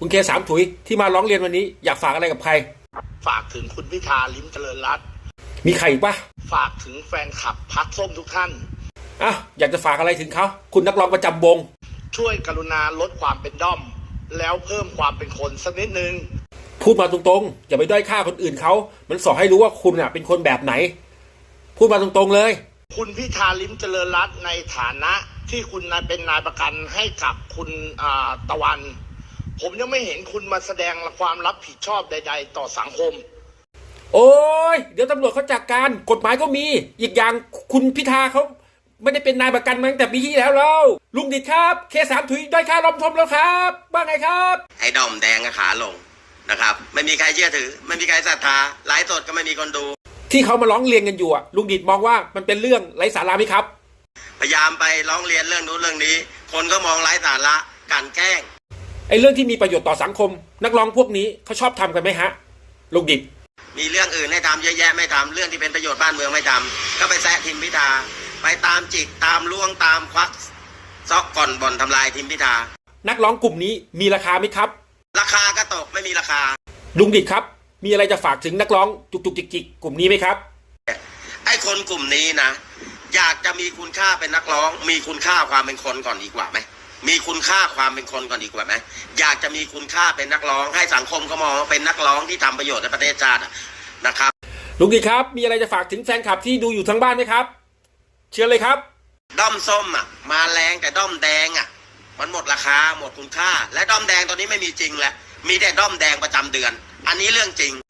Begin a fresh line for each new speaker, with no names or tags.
คุณเคสามถุยที่มาร้องเรียนวันนี้อยากฝากอะไรกับใคร
ฝากถึงคุณพิธาลิ้มเจริญรัตน์
มีใครอีกปะ
ฝากถึงแฟนคลับพรรคส้มทุกท่าน
อยากจะฝากอะไรถึงเขาคุณนักร้องประจำวง
ช่วยกรุณาลดความเป็นด้อมแล้วเพิ่มความเป็นคนสักนิดนึง
พูดมาตรงๆอย่าไปด้อยค่าคนอื่นเขามันสอนให้รู้ว่าคุณเป็นคนแบบไหนพูดมาตรงๆเลย
คุณพิธาลิ้มเจริญรัตน์ในฐานะที่คุณเป็นนายประกันให้กับคุณตะวันผมยังไม่เห็นคุณมาแสดงความรับผิดชอบใดๆต่อสังคม
โอ้ยเดี๋ยวตำรวจเขาจัดการกฎหมายก็มีอีกอย่างคุณพิธาเขาไม่ได้เป็นนายประกันมาตั้งแต่ปีที่แล้วเราลุงดิดครับเคสามถุยด้อยค่าล้อมทมแล้วครับบ้างไงครับ
ไอ้ดอมแดงขาลงนะครับไม่มีใครเชื่อถือไม่มีใครศรัทธาไลฟ์สดก็ไม่มีคนดู
ที่เขามาร้องเรียนกันอยู่ลุงดิดมองว่ามันเป็นเรื่องไร้สาระไหมครับ
พยายามไปร้องเรียนเรื่องนู้นเรื่องนี้คนก็มองไร้สาระกันแกล้ง
ไอ้เรื่องที่มีประโยชน์ต่อสังคมนักร้องพวกนี้เขาชอบทำกันไหมฮะลุงดิด
มีเรื่องอื่นให้ทำเยอะแยะไม่ทำเรื่องที่เป็นประโยชน์บ้านเมืองไม่ทำก็ไปแซะทีมพิธาไปตามจิกตามล่วงตามควักซอกก่อนบ่อนทำลายทีมพิธา
นักร้องกลุ่มนี้มีราคาไหมครับ
ราคาก็ตกไม่มีราคา
ลุงดิดครับมีอะไรจะฝากถึงนักร้องจุกจิกกลุ่มนี้ไหมครับ
ไอ้คนกลุ่มนี้นะอยากจะมีคุณค่าเป็นนักร้องมีคุณค่าความเป็นคนก่อนดีกว่าไหมมีคุณค่าความเป็นคนก่อนดีกว่าไหมอยากจะมีคุณค่าเป็นนักร้องให้สังคมเขามองว่าเป็นนักร้องที่ทำประโยชน์ในประเทศชาตินะครับ
ลุงดิดครับมีอะไรจะฝากถึงแฟนคลับที่ดูอยู่ทั้งบ้านไหมครับเชิญเลยครับ
ด้อมส้มมาแรงแต่ด้อมแดงมันหมดราคาหมดคุณค่าและด้อมแดงตอนนี้ไม่มีจริงแหละมีแต่ด้อมแดงประจำเดือนอันนี้เรื่องจริง